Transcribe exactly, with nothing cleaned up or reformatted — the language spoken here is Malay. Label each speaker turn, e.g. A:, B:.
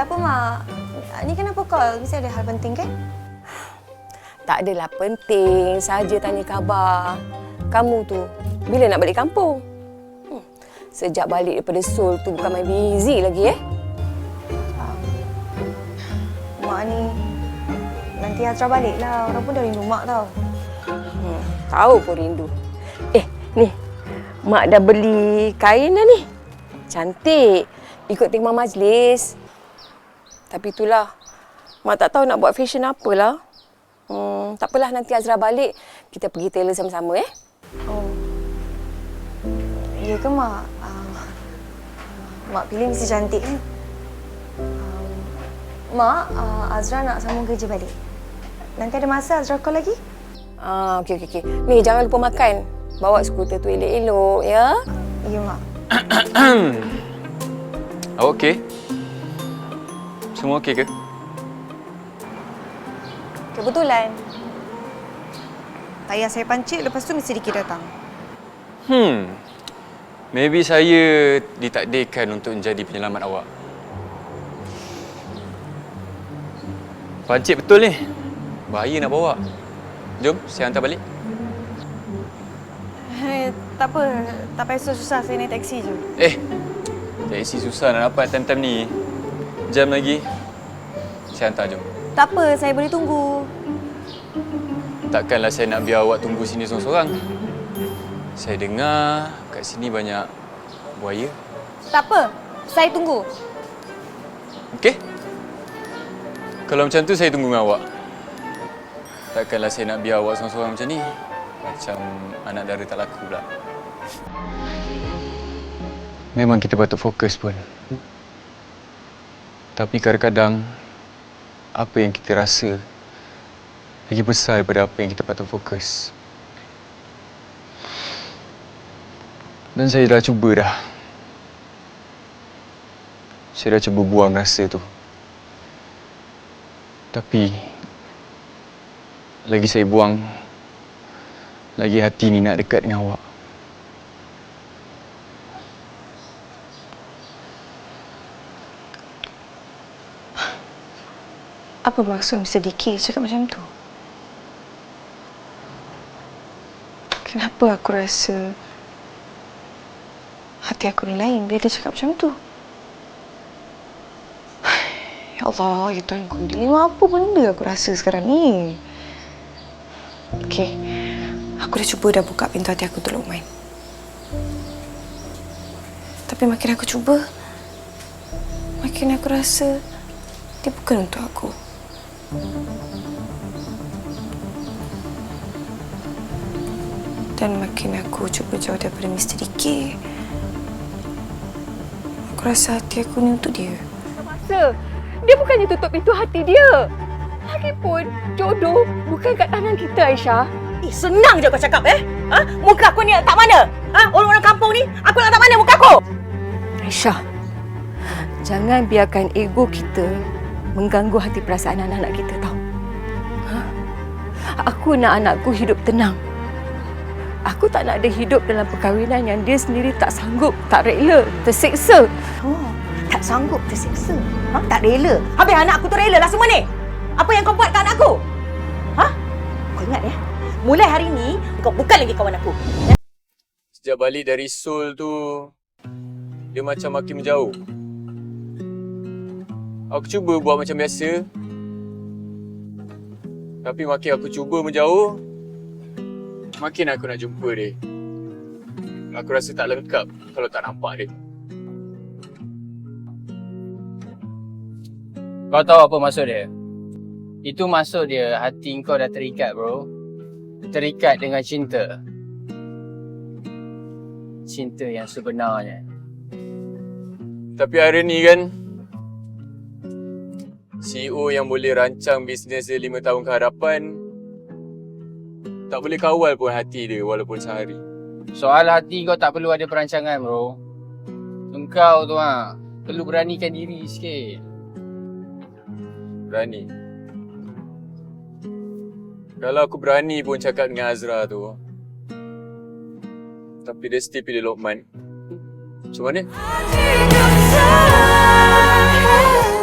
A: Ada apa, Mak? Ni kenapa call? Mesti ada hal penting, kan?
B: Tak adalah penting. Saja tanya khabar. Kamu tu, bila nak balik kampung? Hmm. Sejak balik daripada Seoul tu bukan main busy lagi, eh?
A: Um, mak ni... Nanti Azra balik lah. Orang pun dah rindu Mak tau.
B: Hmm. Tahu pun rindu. Eh, ni. Mak dah beli kain dah ni. Cantik. Ikut tema majlis. Tapi itulah. Mak tak tahu nak buat fashion apalah. Hmm, tak apalah, nanti Azra balik. Kita pergi tailor sama-sama, eh?
A: Oh. Ya ke, Mak? Uh, Mak pilih mesti cantik, kan? Um, Mak, uh, Azra nak sambung kerja balik. Nanti ada masa Azra call lagi?
B: Ah, okey, okey, okey. Ni, jangan lupa makan. Bawa skuter tu elok-elok, ya?
A: Ya, Mak.
C: Awak okey? Semua okey ke?
A: Kebetulan. Tayar saya pancit, lepas tu mesti Diki datang.
C: Hmm. Maybe saya ditakdirkan untuk menjadi penyelamat awak. Pancit betul ni. Bahaya nak bawa. Jom, saya hantar balik.
A: Eh, tak apa. Tak payah susah-susah. Saya naik taksi je.
C: Eh, taksi susah nak dapat time-time ni. Jam lagi. Saya hantar, jom.
A: Tak apa, saya boleh tunggu.
C: Takkanlah saya nak biar awak tunggu sini seorang-seorang. Saya dengar kat sini banyak buaya.
A: Tak apa, saya tunggu.
C: Okey? Kalau macam tu, saya tunggu dengan awak. Takkanlah saya nak biar awak seorang-seorang macam ni. Macam anak dara tak laku pula. Memang kita patut fokus pun. Tapi kadang-kadang, apa yang kita rasa lagi besar daripada apa yang kita patut fokus. Dan saya dah cuba dah. Saya dah cuba buang rasa tu. Tapi lagi saya buang, lagi hati ni nak dekat dengan awak.
A: Apa maksud mister Diki cakap macam tu? Kenapa aku rasa hati aku ni lain bila dia cakap macam tu? Ya Allah, ya Tuhan ku, dia apa benda aku rasa sekarang ni? Okey, aku dah cuba dah buka pintu hati aku untuk Luqman. Tapi makin aku cuba, makin aku rasa dia bukan untuk aku. Dan makin aku cuba jauh daripada mister Diki, aku rasa hati aku ni untuk dia.
B: Masa dia bukannya tutup pintu hati dia. Lagipun jodoh bukan kat tangan kita, Aisyah.
D: Eh, senang je kau cakap, eh? Ha? Muka aku ni letak mana? Ha? Orang-orang kampung ni, aku nak letak mana muka aku?
B: Aisyah, jangan biarkan ego kita mengganggu hati perasaan anak-anak kita, tau. Ha? Aku nak anakku hidup tenang. Aku tak nak dia hidup dalam perkahwinan yang dia sendiri tak sanggup, tak rela, tersiksa.
D: Oh, tak sanggup, tersiksa. Ha? Tak rela. Habis anak aku tu rela lah semua ni. Apa yang kau buat kat anak aku? Ha? Kau ingat ya? Mulai hari ni, kau bukan lagi kawan aku.
C: Sejak balik dari Seoul tu, dia macam makin menjauh. Aku cuba buat macam biasa. Tapi makin aku cuba menjauh, makin aku nak jumpa dia. Aku rasa tak lengkap kalau tak nampak dia.
E: Kau tahu apa maksud dia? Itu maksud dia hati kau dah terikat, bro. Terikat dengan cinta. Cinta yang sebenarnya.
C: Tapi hari ni kan, C E O yang boleh rancang bisnes dia lima tahun ke hadapan tak boleh kawal pun hati dia walaupun sehari.
E: Soal hati kau tak perlu ada perancangan, bro. Engkau tu ha, perlu beranikan diri sikit.
C: Berani. Kalau aku berani pun cakap dengan Azra tu, tapi dia still pilih Luqman. Macam mana?